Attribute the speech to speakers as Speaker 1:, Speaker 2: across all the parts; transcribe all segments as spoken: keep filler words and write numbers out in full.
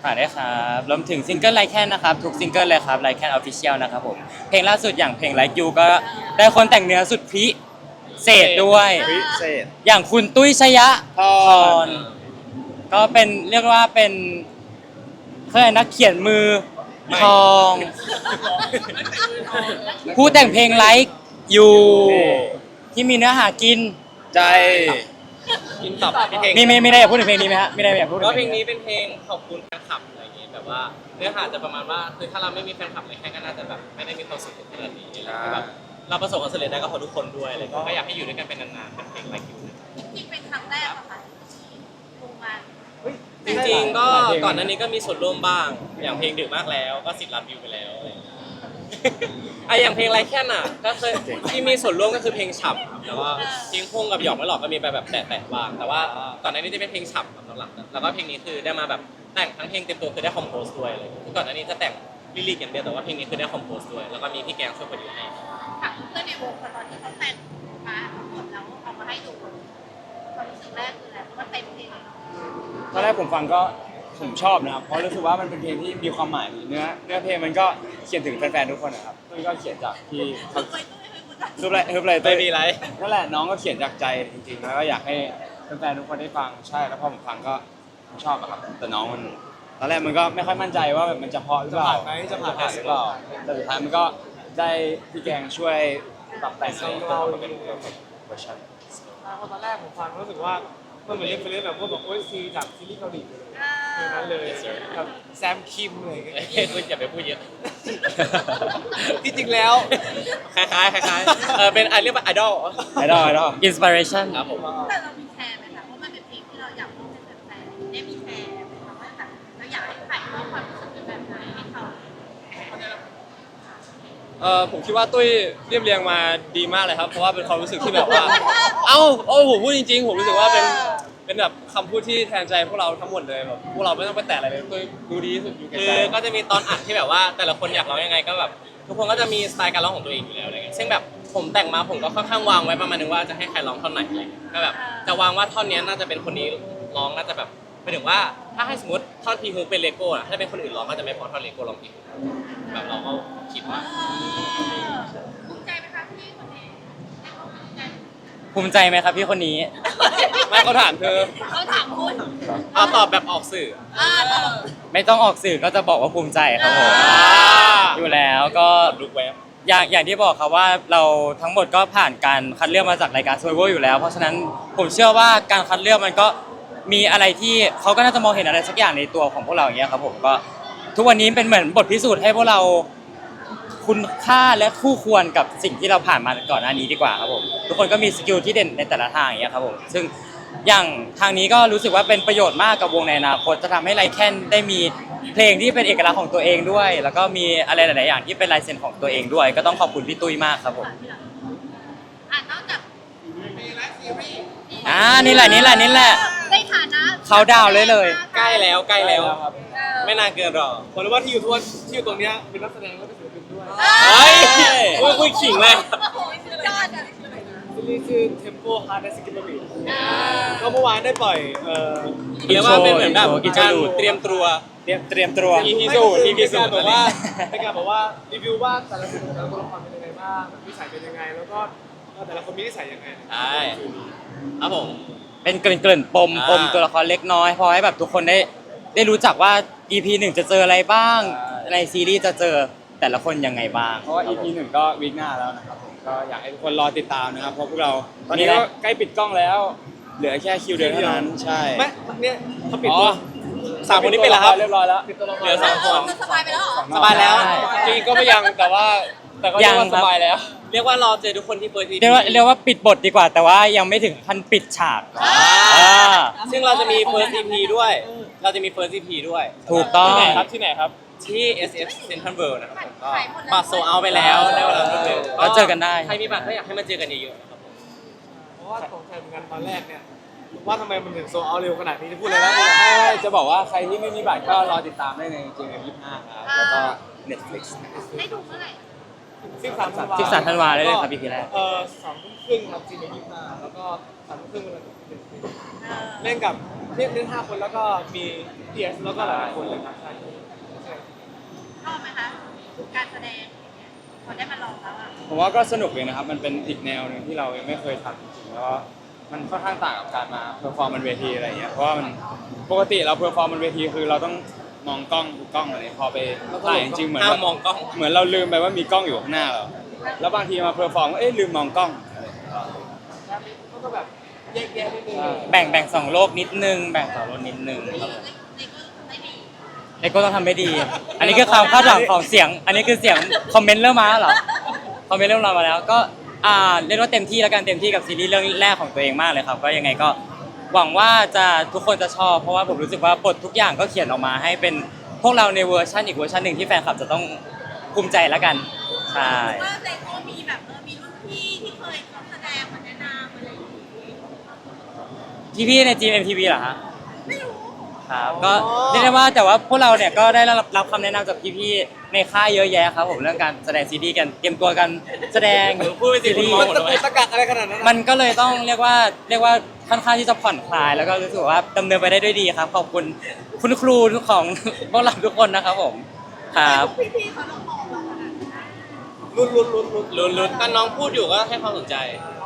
Speaker 1: ฝากด้วยครับรวมถึงซิงเกิลไลค์แคนนะครับทุกซิงเกิลเลยครับไลค์แคนออฟฟิเชียลนะครับผมเพลงล่าสุดอย่างเพลงไลค์ยูก็ได้คนแต่งเนื้อสุดพิเศษด้วย
Speaker 2: พิเศษ
Speaker 1: อย่างคุณตุ้ยชยะ
Speaker 2: พร
Speaker 1: ก็เป็นเรียกว่าเป็นเพื่อนนักเขียนมือทองผู้แต่งเพลงไลค์ยูที่มีเนื้อหากิน
Speaker 2: ใจ
Speaker 3: กินตับเพลง
Speaker 1: มีไม่ไม่ได้อยากพูดถึงเพลงนี้ไหมฮะไม่ได้อยากพูดถึง
Speaker 3: ก็เพลงนี้เป็นเพลงขอบคุณแฟนคลับอะไรอย่างงี้แบบว่าเนื้อหาจะประมาณว่าคือถ้าเราไม่มีแฟนคลับในแค่ก็น่าจะแบบไม่ได้มีความสุขขนาดนี้อะไรอย่างเงี้ยแบบเราประสบความสำเร็จได้ก็เพราะทุกคนด้วยอะไรอย่างเงี้ยก็อยากให้อยู่ด้วยกันเป็นนานๆเป็นเพลงไลค์ยู
Speaker 4: จริงๆเป็นครั้งแรกอะค่ะลงมา
Speaker 3: จริงๆก็ก่อนหน้านี้ก็มีส่วนร่วมบ้างอย่างเพลงดึกมากแล้วก็สิบล้านวิวไปแล้วอะไรอย่างเงี้ยไอะอย่างเพลงไรแค่น่ะก็เคยที่มีส่วนร่วมก็คือเพลงฉ่ำครับแต่ว่าเพลงพงกับหยอกไม่หลอกก็มีไปแบบแตะๆบ้างแต่ว่าก่อนหน้านี้จะเป็นเพลงฉ่ำครับหลังๆแล้วก็เพลงนี้คือได้มาแบบแต่งทั้งเพลงเต็มตัวคือได้คอมโพสด้วยเลยก่อนหน้านี้จะแต่งลิลิกอย่างเดียวแต่ว่าเพลงนี้คือได้คอมโพสด้วยแล้วก็มีพี่แกงช่วยโปรดิวให้
Speaker 4: ถามเพื่อนในวงตอนที่เขาแต่งมาทั้งหมดแล้วเอามาให้ดูความรู้สึกแรกคืออะไรเพราะว่าเต็มเพลงเลยเนาะ
Speaker 5: ตอนแรกผมฟังก็ผมชอบนะครับเพราะรู้สึกว่ามันเป็นเพลงที่มีความหมายเนื้อเนื้อเพลงมันก็เขียนถึงแฟนๆทุกคนนะครับตุ้ยก็เขียนจากที่เขา
Speaker 4: ตุ้ยตุ้ยตุ้ยตุ้ย
Speaker 5: รูปอะไรรูปอะไร
Speaker 3: ไม่มีไร
Speaker 5: นั่นแหละน้องก็เขียนจากใจจริงๆแล้วก็อยากให้แฟนๆทุกคนได้ฟังใช่แล้วพอผมฟังก็ผมชอบอะครับแต่น้องมันตอนแรกมันก็ไม่ค่อยมั่นใจว่าแบบมันจะเพราะหรือเปล่าจะผ่านหรือเปล่าแต่สุดท้ายมันก็ได้พี่แกงช่วยปรับแต่งให้เราเป็นเวอร์ชัน
Speaker 6: ตอนแรกผมฟังรู้สึกว่ามันเหมือนเล่นไปเล่นแบบพวกแบบโอ้ยซีจากซีรีส์เกาหลีเลยเพลงนั้นเลยแบบแซมคิมอะไรอย่างเงี้ย
Speaker 3: คุณอย่าไปพูดเยอะ
Speaker 6: ที่จริงแล้ว
Speaker 3: คล้ายๆคล้ายๆเออเป็นไอเรียกว่าไอดอล
Speaker 5: ไอดอลไอดอล
Speaker 1: อินสปิเรชัน
Speaker 3: ครับผม
Speaker 4: แต่เรามีแชร์ไหมคะเพราะมันเป็นเพลงที่เราอยากร้องให้แฟนๆได้มีแชร์ไหมคะว่าแบบเราอยากให้ถ่ายทอดความรู้สึกเป็นแบบไหนให้เขา
Speaker 7: เออผมคิดว่าตุ้ยเรียบเรียงมาดีมากเลยครับเพราะว่าเป็นความรู้สึกที่แบบว่า เอ้าโอ้ผมพูดจริงๆผมรู้สึกว่าเป็นเป็นแบบคำพูดที่แทนใจพวกเราทั้งหมดเลยแบบพวกเราไม่ต้องไปแตะอะไรเลยตุ้ยดูดีที่สุดอยู่ไก
Speaker 3: คือ
Speaker 7: ล
Speaker 3: ก็จะมีตอนอัดที่แบบว่าแต่ละคนอยากร้องยังไงก็แบบทุกคนก็จะมีสไตล์การร้องของตัวเองอยู่แล้วอะไรเงี้ยซึ่งแบบผมแต่งมาผมก็ค่อนข้างวางไว้ประมาณนึงว่าจะให้ใครร้องท่อนไหนอะไรเงี้ยก็แบบจะวางว่าท่อนนี้น่าจะเป็นคนนี้ร้องน่าจะแบบหมายถึงว่าถ้าให้สมมติท่อนพีฮูเป็นเลโก้อะถ้าเป็นคนอื่นร้องก็จะไม่พอท่อนเลโก้ร้องพีฮูแบบเราก็คิดว่า
Speaker 4: ภูมิใจไหมคะพี่คนนี้ให้เขาภูมิใจ
Speaker 1: ภูมิใจไหมครับพี่คนนี้
Speaker 7: ๆไม่เขาถามเธอ
Speaker 4: เขาถามคุณ
Speaker 3: เอาตอบแบบออกสื่อ
Speaker 4: อ่าตลก
Speaker 1: ไม่ต้องออกสื่อก็จะบอกว่าภูมิใจครับผมอยู่แล้วก็
Speaker 3: ลูกแวบ
Speaker 1: อย่างอย่างที่บอกครับว่าเราทั้งหมดก็ผ่านการคัดเลือกมาจากรายการ Survivor อยู่แล้ว เพราะฉะนั้นผมเชื่อว่าการคัดเลือกมันก็มีอะไรที่เขาก็น่าจะมองเห็นอะไรสักอย่างในตัวของพวกเราอย่างเงี้ยครับผมก็ทุกวันนี้เป็นเหมือนบทพิสูจน์ให้พวกเราคุณค่าและคู่ควรกับสิ่งที่เราผ่านมาก่อนหน้านี้ดีกว่าครับผมทุกคนก็มีสกิลที่เด่นในแต่ละทางอย่างเงี้ยครับผมซึ่งอย่างทางนี้ก็รู้สึกว่าเป็นประโยชน์มากกับวงในอนาคตจะทำให้ไลแคนได้มีเพลงที่เป็นเอกลักษณ์ของตัวเองด้วย แล้วก็มีอะไรหลายๆอย่างที่เป็นลายเซ็นของตัวเองด้วย ก็ต้องขอบคุณพี่ตุ้ยมากครับผม
Speaker 4: อ่านนอกจาก
Speaker 1: อ่านี่แหละนี่แหละนี่แหละ
Speaker 4: ในฐานะ
Speaker 1: เขาดาวน์เลยเลย
Speaker 3: ใกล้แล้วใกล้แล้ว
Speaker 6: ครับ
Speaker 3: ไม่นานเกินรอ
Speaker 6: ผมรู้ว่าที่อยู่ทุกวันที่อยู่ตรงเนี้ยเป็นนักแสดงและเป็นศิลปินด้วย
Speaker 3: เฮ้ยคุยคุยขิงเลย
Speaker 4: โอ้โหสุดยอดอะ
Speaker 6: ซีรีส์ชื่อ Tempo Hard and Skip Beat ก็เมื่อวานได้ปล่อยเอ่อ
Speaker 3: เรียกว่าเป็นเหมือนแบบ
Speaker 1: อินโทร
Speaker 3: การ
Speaker 1: อินโทร
Speaker 3: เตรียมตัว
Speaker 5: เตรียมเตรียมตัว
Speaker 3: อี พี สูตร อี พี สูตร
Speaker 6: เป็นการบอกว่าเป็นการบอกว่ารีวิวว่าแต่ละคนแต่ละตัวละครเป็นยังไงบ้างนิสัยเป็นยังไงแล้วก็แต่ละคนมีนิสัยยังไง
Speaker 3: ใช่ครับผม
Speaker 1: เป็นเกริ่นๆปม
Speaker 3: อ่า
Speaker 1: ปมตัวละครเล็กน้อยพอให้แบบทุกคนได้ได้รู้จักว่า อี พี หนึ่งจะเจออะไรบ้าง ในซีรีส์จะเจอแต่ละคนยังไงบ้าง
Speaker 5: เพราะว่า อี พี หนึ่งก็วีคหน้าแล้วนะครับผมก็อยากให้ทุกคนรอติดตามนะครับเพราะพวกเราตอนนี้ก็ใกล้ปิดกล้องแล้ว เหลือแค่คิวเดียวเท่านั้นใช่
Speaker 6: ไม่เนี่ยเขาปิด
Speaker 5: อ๋
Speaker 6: ตัว
Speaker 5: อ
Speaker 3: สามคนนี้เป็นแล้วครับ
Speaker 5: เรียบร้อยแล้ว
Speaker 6: ปิดตัวละคร
Speaker 3: เหลือสองคน
Speaker 4: มันสบายไปแล้วเหรอ
Speaker 3: สบายแล้ว
Speaker 1: ใช่
Speaker 7: จริงๆก็ไม่ยังแต่ว่าแต่ก็เรียกว่าสบายแล้ว
Speaker 3: เรียกว่ารอเจอทุกคนที่เปิดที
Speaker 1: เรียกว่าเรียกว่าปิดบทดีกว่า แต่ว่ายังไม่ถึงขั้นปิดฉากอ่า
Speaker 3: ซึ่งเราจะมี first อี พี ด้วย เราจะมี first อี พี ด้วย
Speaker 1: ถูกต้อง
Speaker 7: ที่ไหนครับที่ไหนครับ
Speaker 3: ที่ เอส เอฟ Central World นะครับผมก็
Speaker 4: ขายหมดแล้ว
Speaker 3: บัตรโซเอาไปแล้วในเวลาเร็ว
Speaker 1: แล้วเจอกันได้
Speaker 3: ใครมีบัตรก็อยากให้มาเจอกันเยอะๆนะครับผม
Speaker 6: เพราะว่าสงสัยเหมือนกันตอนแรกเนี่ยว่าทำไมมันถึงโซเอาเร็วขนาดนี้จะพูดเลยนะ
Speaker 5: ใช่จะบอกว่าใครที่ไม่มีบัตรก็รอติดตามได้ใน จี เอ็ม ยี่สิบห้าครับแล้วก็ Netflix
Speaker 4: ได้ดูเมื่อไหร่
Speaker 6: สิบสามธันวา
Speaker 1: สิบสามธันวาได้เลยครับ อี พี แรก
Speaker 6: เออสองทุ่มครึ่งครับจีนยี่สิบห้าแล้วก็สามทุ่มครึ่งเวลาเล่นกับเล่นเล่นห้าคนแล้วก็มีเดียสแล้วก็หลายๆคนเลยครับใช่
Speaker 4: ชอบไหมคะการแสดงพอได้มาลองแล้วอ่ะ
Speaker 5: ผมว่าก็สนุกเลยนะครับมันเป็นอีกแนวหนึ่งที่เรายังไม่เคยทำจริงๆแล้วก็มันค่อนข้างต่างกับการมาเพอร์ฟอร์มบนเวทีอะไรอย่างเงี้ยเพราะว่ามันปกติเราเพอร์ฟอร์มบนเวทีคือเราต้องมองกล้องดูกล้องอะไรพอไปถ่ายจริงๆเหมือน
Speaker 3: ห้าม
Speaker 5: ว่าม
Speaker 3: องกล้อง
Speaker 5: เหมือนเราลืมไปว่ามีกล้องอยู่ข้างหน้าเราแล้วบางทีมาเพอร์ฟอร์มก็เอ๊ะลืมมองกล้อง
Speaker 6: ก็แบบแยกแยะนิดนึง
Speaker 1: แบ่งแบ่งสองโลกนิดนึงแบ่งสองโลกนิดนึงครับ
Speaker 4: ในก็ได้ดี
Speaker 1: เลโก้ต้องทำไม่ดี อันนี้คือความคาดหวังของเสียง อันนี้คือเสียงคอมเมนต์เริ่มมาแล้วเหรอคอมเมนต์เริ่มมาแล้วก็อ่าเรียกว่าเต็มที่แล้วกันเต็มที่กับซีรีส์เรื่องแรกของตัวเองมากเลยครับก็ยังไงก็หวังว่าจะทุกคนจะชอบเพราะว่าผมรู้สึกว่าบททุกอย่างก็เขียนออกมาให้เป็นพวกเราในเวอร์ชันอีกเวอร์ชันหนึ่งที่แฟนคลับจะต้องภูมิใจแล้วกันใช่
Speaker 4: ว่าในก็มีแบบเออมีรุ่นพี่ที่เคยเขาแสดงมาแนะนำอะไรอย่างงี้
Speaker 1: พี่พี่ๆใน จี เอ็ม ที วี เหรอฮะ
Speaker 4: ไม่รู้
Speaker 1: ครับก็เรียกได้ว่าแต่ว่าพวกเราเนี่ยก็ได้รับรับคำแนะนำจากพี่ๆในค่ายเยอะแยะครับผมเรื่องการแสดงซีรีส์กันเตรียมตัวกันแสดง
Speaker 3: พูดไปสิ
Speaker 1: ซีรี
Speaker 3: คุณ
Speaker 1: ส์
Speaker 3: มองหมดเลย
Speaker 6: ตะกักอะไรขนาดนั้น
Speaker 1: มันก็เลยต้องเรียกว่าเรียกว่าค่อนข้างที่จะผ่อนคลาย แล้วก็รู้สึกว่าดำเนินไปได้ด้วยดีครับขอบคุณคุณครูทุกของ พวกเราทุกคนนะครับผมครับ
Speaker 4: พี่ๆเขาต้องมองเราขนาดนั้น
Speaker 6: ลุ้นลุ้นลุ้นลุ้น
Speaker 3: ลุ้นลุ้นตอนน้องพูดอยู่ก็ให้ความสนใจ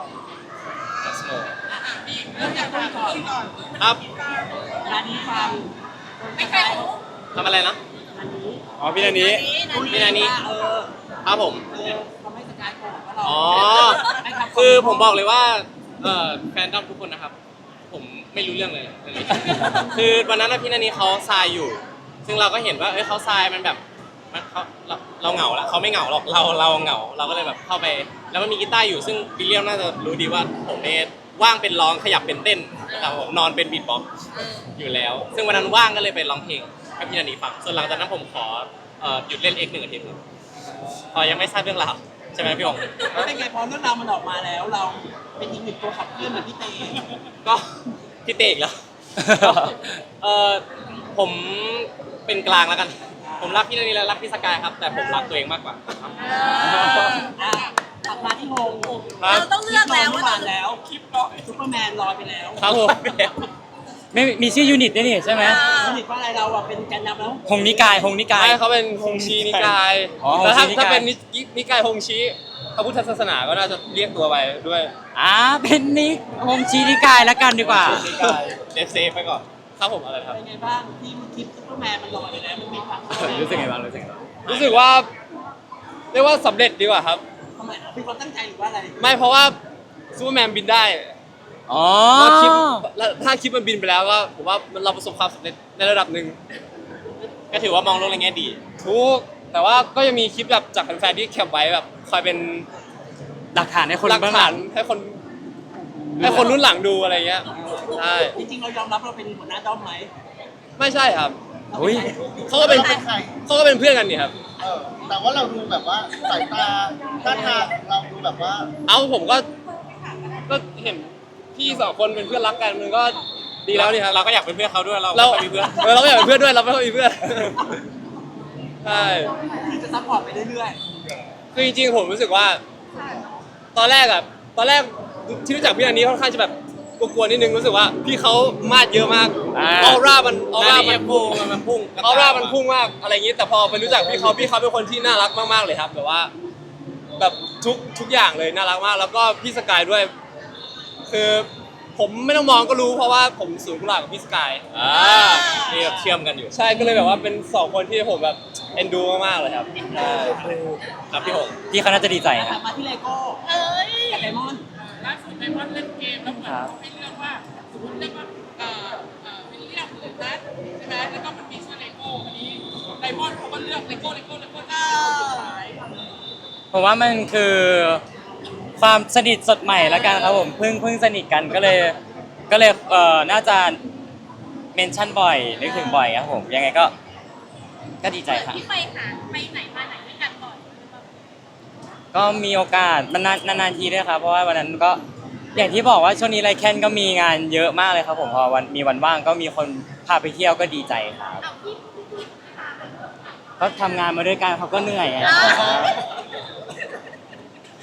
Speaker 3: ครับ
Speaker 4: ร้านนี้ฟังไม่ใช่รู้
Speaker 3: ทำอะไรนะ
Speaker 5: อ๋อพี่นันนี้
Speaker 3: พี่นานี้ครับผม
Speaker 4: ทำให้สกายโกรธว่าเรา
Speaker 3: อ๋อ คือผมบอกเลยว่าเอ่อแฟนดอมทุกคนนะครับ ผมไม่รู้เรื่องเลยเรื่องนี้คือวันนั้นนะพี่นานี้เขาทรายอยู่ ซึ่งเราก็เห็นว่าเอ้ยเขาทรายมันแบบมันเขาเราเราเหงาละเขาไม่เหงาหรอกเราเราเหงา เราก็เลยแบบเข้าไป แล้วมันมีกีตาร์อยู่ซึ่งวิลเลียมน่าจะรู้ดีว่าผมเนี่ยว่างเป็นร้องขยับเป็นเต้นนะครับผมนอนเป็นบีทบ็อกซ์อยู่แล้ว ซึ่งวันนั้นว่างก็เลยไปร้องเพลงให้พี่นานี้ฟังส่วนหลังจากนั้นผมขอเอ่อหยุดเล่นเอ็กหนึ่งอาทิตย์หนึ่งพอยังไม่ทราบเรื่องราวใช่ไหมพี่องค์
Speaker 2: เป็นไงพอเรื่องราวมันออกมาแล้วเราเป็นอีกหนึ่งตัวขับเคลื่อนเหมือนพี่เต
Speaker 3: ก็พี่เตกแล้ว เออผมเป็นกลางแล้วกัน ผมรักพี่นานีและรักพี่สกายครับ แต่ผมรักตัวเองมากกว่าครับ
Speaker 2: อ่ะกลับมาที่โฮม
Speaker 4: เราต้องเลือกแล้ว
Speaker 2: เมื่
Speaker 4: ว่า
Speaker 2: อวานแล้วคลิปก็ซุปเปอร์แมนลอยไปแล้ว
Speaker 3: ครับผม
Speaker 1: ไม่มีชื่อยูนิตด้วยนี่ใช่ไหม
Speaker 2: สนิทว่าอะไรเราอ่ะเป็นแกนนำแล้ว
Speaker 1: หงนิกายหงนิกาย
Speaker 7: ใช่เขาเป็นฮงชีนิกาย
Speaker 1: อ๋อ
Speaker 7: แล้วถ้า
Speaker 1: ฮงชีนิกาย
Speaker 7: ถ้าเป็นนินิกายฮงชีพระพุทธศาสนาก็น่าจะเรียกตัวไปด้วย
Speaker 1: อ่าเป็นนิกหงชีนิกายแล้วกันดีกว่า
Speaker 3: เซฟเซฟไปก่อน
Speaker 7: ครับผมอะไรครับ
Speaker 2: เป็นไงบ้างที่คลิปซุปเปอร์แมนมันลอยไปแล้วมันมีความ
Speaker 1: รู้สึกไงบ้างรู้สึกไงบ้าง
Speaker 7: รู้สึกว่าเรียกว่าสำเร็จดีกว่าครับ
Speaker 2: ทำไมเป็นความตั้งใจหรือว่าอะไร
Speaker 7: ไม่เพราะว่าซูเปอร์แมนบินได้
Speaker 1: อ๋อ
Speaker 7: แล้วคลิปแล้วถ้าคลิปมันบินไปแล้วก็ผมว่ามันเราประสบความสำเร็จในระดับหนึ่ง
Speaker 3: ก็ถือว่ามองโลกในแง่ดี
Speaker 7: ทุกแต่ว่าก็ยังมีคลิปแบบจากแฟนๆที่แคปไว้แบบคอยเป็น
Speaker 1: หลักฐานให้คน
Speaker 7: หลัก
Speaker 1: เบื้องห
Speaker 7: ฐา
Speaker 1: ลั
Speaker 7: น
Speaker 1: ง
Speaker 7: ให้คนให้คนรุ่นหลังดูอะไรเงี้ยใช่
Speaker 2: จริงๆเรายอมรับเราเป็นหัวหน้าด้อมไหม
Speaker 7: ไม่ใช่ครับ
Speaker 1: อุ้ย
Speaker 7: เขาก็เป็นเขาก็เป็นเพื่อนกันนี่ครับ
Speaker 8: เออแต่ว่าเราดูแบบว่าสายตาท่าทางเราดูแบบว่า
Speaker 7: เอ้าผมก็ก็เห็นพี่สองคนเป็นเพื่อนรักกันมันก็ดีแล้วนี่ครับ
Speaker 3: เราก็อยากเป็นเพื่อนเขาด้วยเรา
Speaker 7: เรา
Speaker 3: ไม่ค่อยมีเพื่อน
Speaker 7: เออเราก็อยากเป็นเพื่อนด้วยเราไม่ค่อยมีเพื่อนใช่
Speaker 2: คือจะซัพพอร์ตไปเรื่อย
Speaker 7: คือจริงๆผมรู้สึกว่า ตอนแรกอะตอนแรกที่รู้จักพี่อันนี้ค่อนข้างจะแบบกลัวๆนิดนึงรู้สึกว่าพี่เขามาดเยอะมาก
Speaker 1: อ่า
Speaker 7: ออร่ามันออ
Speaker 3: หน้า
Speaker 7: ร่า
Speaker 3: นี้
Speaker 7: มัน
Speaker 3: พุ่งมันพุ่ง
Speaker 7: ออร่ามันพุ่งมากอะไรอย่างนี้ แต่พอไปรู้จักพี่เขาพี่เขาเป็นคนที่น่ารักมากๆเลยครับแบบว่า แบบทุกทุกอย่างเลยน่ารักมาก แล้วก็พี่สกายด้วย คือผมไม่ต้องมองก็รู้เพราะว่าผมสูงกุหลาบกับพี่สกาย
Speaker 3: อ่านี่แบบเชื่อมกันอยู่
Speaker 7: ใช่ก็เลยแบบว่าเป็นสองคนที่ผมแบบเอ็นดูมากๆเลยครับใช่
Speaker 3: ครับพี่หง
Speaker 1: พี่เขาน่าจะดีใจ
Speaker 2: ๆ
Speaker 1: นะ
Speaker 2: กลับมาที่เลโก้
Speaker 4: เอ้ย
Speaker 2: กับไดมอนด์
Speaker 9: ล่าสุดไดมอนด์เล่นเกมแล้วเหมือน
Speaker 1: ครับ
Speaker 9: เขาให้เลือกว่าสมมติเลือกว่าเอ่อเอ่อวิลเลียมหรือนัทใช่ไหมแล้วก็มันมีชื่อเลโก้อันนี้ไดมอนด์เขาก็เลือกเลโก้เลโก้เลโก้ที่คนสุดท้าย
Speaker 1: ผมว่ามันคือความสนิทสดใหม่แล้วกันครับผมเพิ่งเพิ่งสนิทกันก็เลยก็เลยเอ่อน่าจะเมนชั่นบ่อยนึกถึงบ่อยครับผมยังไงก็ก็ดีใจครับ
Speaker 4: ที่ไปหาไปไหนมาไหนด้วยกันก่อน
Speaker 1: ก็มีโอกาสมันนานนานๆทีด้วยครับเพราะว่าวันนั้นก็อย่างที่บอกว่าช่วงนี้ไรแคนก็มีงานเยอะมากเลยครับผมพอวันมีวันว่างก็มีคนพาไปเที่ยวก็ดีใจครับ
Speaker 4: เอาพี่พี่พี่พาไป
Speaker 1: ก็ทำงานมาด้วยกันเขาก็เหนื่อยไง
Speaker 4: อ่า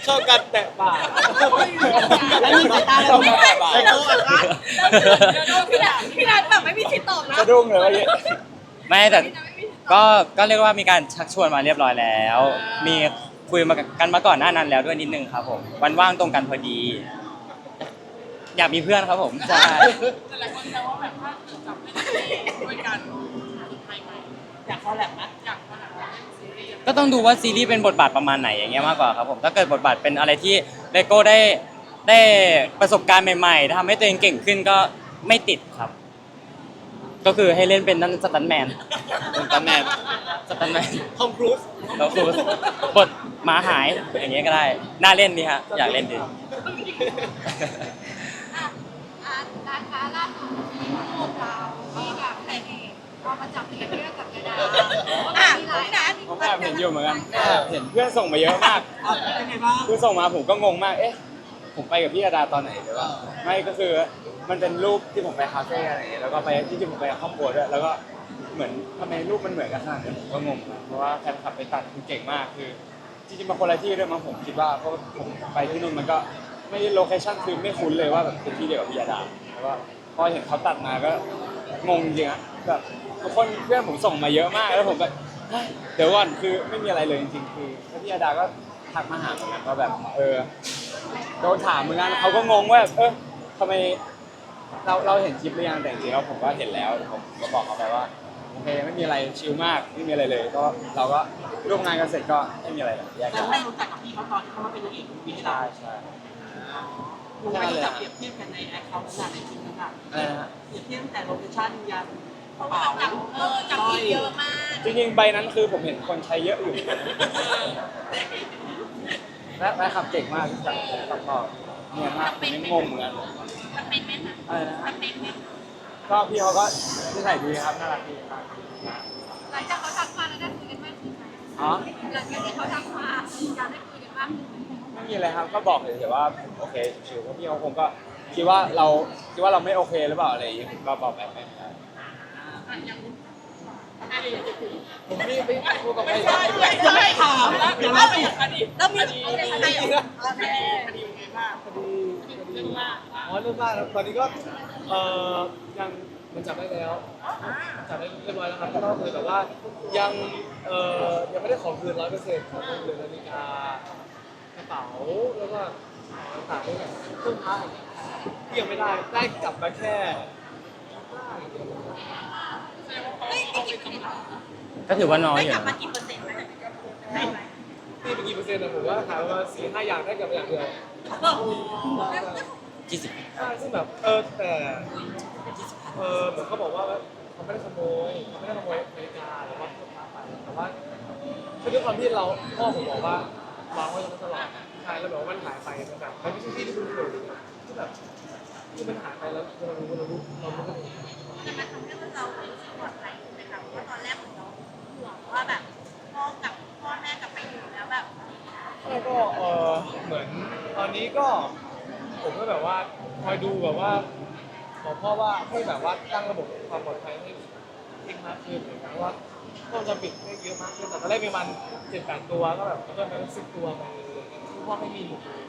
Speaker 6: ชอบการแตะปาก
Speaker 2: แล้วมีสายตาเราไม่ได้
Speaker 8: ไอ้โก้อัดอัด
Speaker 4: พี่นัทพี่นัทแบบไม่มีสิทธิ์ตอบนะ
Speaker 5: สะดุ้งเลยว่าเย
Speaker 1: ไม่แต่ก็ก็เรียกว่ามีการชักชวนมาเรียบร้อยแล้ว มีคุยมากันมาก่อนหน้านั้นแล้วด้วยนิดนึงครับผมวันว่างตรงกันพอดี อยากมีเพื่อนครับผมใช่
Speaker 9: แต่หลายคนแซวว่าแบบถ้าเกิดจับเล่นซีรีส์ด้วยกันสุดท้ายไหม
Speaker 2: อยากคอลแลบไหม
Speaker 9: อยากมาหนังเล่นซีรีส์
Speaker 1: ก็ต้องดูว่าซีรีส์เป็นบทบาทประมาณไหนอย่างเงี้ยมากกว่าครับผมถ้าเกิดบทบาทเป็นอะไรที่เลโก้ได้ได้ประสบการณ์ใหม่ๆทำให้ตัวเองเก่งขึ้นก็ไม่ติดครับ ก็คือให้เล่นเป็นนั่นสตันแมน
Speaker 5: เป็นตันแมน
Speaker 1: สตันแมน
Speaker 6: ทอมครูซ
Speaker 1: แล้วคือบทหมาหายอย่างเงี้ยก็ได้น่าเล่นดีฮะอยากเล่นดี
Speaker 4: อ่ะอ่ะร้านค้าล่าสุดที่พวกเราที่แบบแต่เองเอามาจับเรียนเรื่องกับยาดาอ่ะมีหลายนะ
Speaker 5: ผมแอบเห็นอยู่เหมือนกันแอบเห็นเพื่อนส่งมาเยอะมาก
Speaker 2: อ่ะเป็นไงบ้าง
Speaker 5: คือส่งมาผมก็งงมาก เอ๊ะ ผมไปกับพี่อาดาตอนไหนหรือว่าไม่ก็คือมันเป็นรูปที่ผมไปคาเฟ่อะไรอย่างเงี้ยแล้วก็ไปที่จริงผมไปกับครอบครัวด้วยแล้วก็เหมือนทำไมรูปมันเหมือนกันขนาดนี้ผมก็งงนะเพราะว่าแฟนคลับไปตัดคือเก่งมากคือจริงๆมาคนละที่ด้วยมั้งผมคิดว่าเพราะผมไปที่นู่นมันก็ไม่โลเคชั่นคือไม่คุ้นเลยว่าแบบเป็นที่เดียวกับพี่อาดาแล้วก็พอเห็นเขาตัดมาก็งงจริงๆอะแบบทุกคนเพื่อนผมส่งมาเยอะมากแล้วผมแบบเฮ้ยเดี๋ยวก่อนคือไม่มีอะไรเลยจริงๆคือพี่อาดาก็ทักมาหาเหมือนกันว่าแบบเออ โดนถามเหมือนกันเขาก็งงว่าเออทำไมเราเราเห็นคลิปหรือยังแต่จริงๆแล้วผมก็เห็นแล้วผมก็บอกเขาไปว่าโอเคไม่มีอะไรชิลมากไม่มีอะไรเลยก็เราก็ร่วมงานกันเสร็จก็ไม่มีอะไรเลยแยก
Speaker 2: แต่
Speaker 5: ย้าย
Speaker 2: ให้รู้จักกับพี่เขาตอนที่เขามาเป็นนางเอกวีให้เรา
Speaker 5: ใช่ใช่
Speaker 2: ลงไปจับเปรียบเทียบกันในแอคเคาท์นั้นในคลิปนั้นอ่ะ
Speaker 5: อะไรนะฮะ
Speaker 2: เปรียบเทียบตั้งแต่โลเคชั่นยัน
Speaker 4: เพราะว่าจับเออจับผิดเยอะมาก
Speaker 5: จริงๆใบนั้นคือผมเห็นคนใช้เยอะอยู่และและขับเก่งมากที่จับตัดต่อเนี่ยมากผมยังงงเหมือนกัน
Speaker 4: มันเป็นไหมคะ
Speaker 5: อะไรนะ
Speaker 4: มันเป็นไหม
Speaker 5: ก็พี่เขาก็นิสัยดีครับน่ารักดีมาก
Speaker 4: หลังจากเขาทักมาแล้วได้คุยกันมากขึ้นไหม
Speaker 5: อ๋อ
Speaker 4: หลังจากที่เขาทักมาอยากได้คุยกันมากขึ้นไหม
Speaker 5: ไม่มีอะไรครับก็บอกเลยแต่ว่าโอเคชิวๆเพราะพี่เขาคงก็คิดว่าเราคิดว่าเราไม่โอเคหรือเปล่าอะไรอย่างเงี้ยก็บอกแบบไม่ได้
Speaker 6: ผมไม่ไม่พูดกับใคร
Speaker 9: ไม่ใช่ไม่ใช่ถามแล้วเดี๋ยวเราไปคดี
Speaker 4: แล้วมี
Speaker 9: คดี
Speaker 4: อะไร
Speaker 9: ค
Speaker 4: อะไร
Speaker 9: ดี
Speaker 4: เหรอ
Speaker 9: คดีคดีเป็นไงบ้าง
Speaker 6: คดีคดี
Speaker 9: เรื่องมาก
Speaker 6: อ๋อเรื่องมากครับตอนนี้ก็เอ่อยังมันจับได้แล้วจับได้เรียบร้อยแล้วครับก็คือแบบว่ายังเอ่อยังไม่ได้ขอคืนร้อยเปอร์เซ็นต์ของเรือนนาฬิกากระเป๋าแล้วก็ต่างๆด้วยเครื่องพักที่ยังไม่ได้ได้กลับมาแค่
Speaker 1: ก็ถือว่าน้อย
Speaker 4: ได้
Speaker 1: อยู่
Speaker 4: กลับมา
Speaker 1: นะ
Speaker 4: กี่เปอร์เซ็นต์ไหม
Speaker 6: ตีไปกี่เปอร์เซ็นต์นะผมว่าขายประมาณสี่ห้าอย่างได้กลับมาอย่างเดียว
Speaker 1: ยี่สิบ
Speaker 6: ใช่ซึ่งแบบเออแต่เออเหมือนเขาบอกว่าเขาไม่ได้ขโมยเขาไม่ได้ขโมยนาฬิกาหรือว่าเครื่องพักไปแต่ว่าคือด้วยความที่เราพ่อผมบอกว่าวางไว้ตรงนั้นตลอดใช่แล้วแบบว่ามันหายไปมันแบบมันไม่ใช่ที่ที่คุณเคยที่แบบที่มันหายไปแล้วเรารู้เรารู้เรารู้กัน
Speaker 4: แต่มันทำให้เรารู้สึกปลอดภัยขึ้นไหมคะเพราะว่าตอนแรกของเราห่วงว่าแบบพ่อกับพ่อแม่กลับไปอยู่แล้วแบบ
Speaker 6: แล้วก็เออเหมือนตอนนี้ก็ผมก็แบบว่าคอยดูแบบว่าบอกพ่อว่าให้แบบว่าตั้งระบบความปลอดภัยให้เองมากขึ้นเลยนะว่าต้องจะปิดให้เยอะมากขึ้นแต่ตอนแรกมีมันเจ็ดแปดตัวก็แบบเพิ่มไปเป็นสิบตัวไปเลยพ่อไม่มีหมดเลย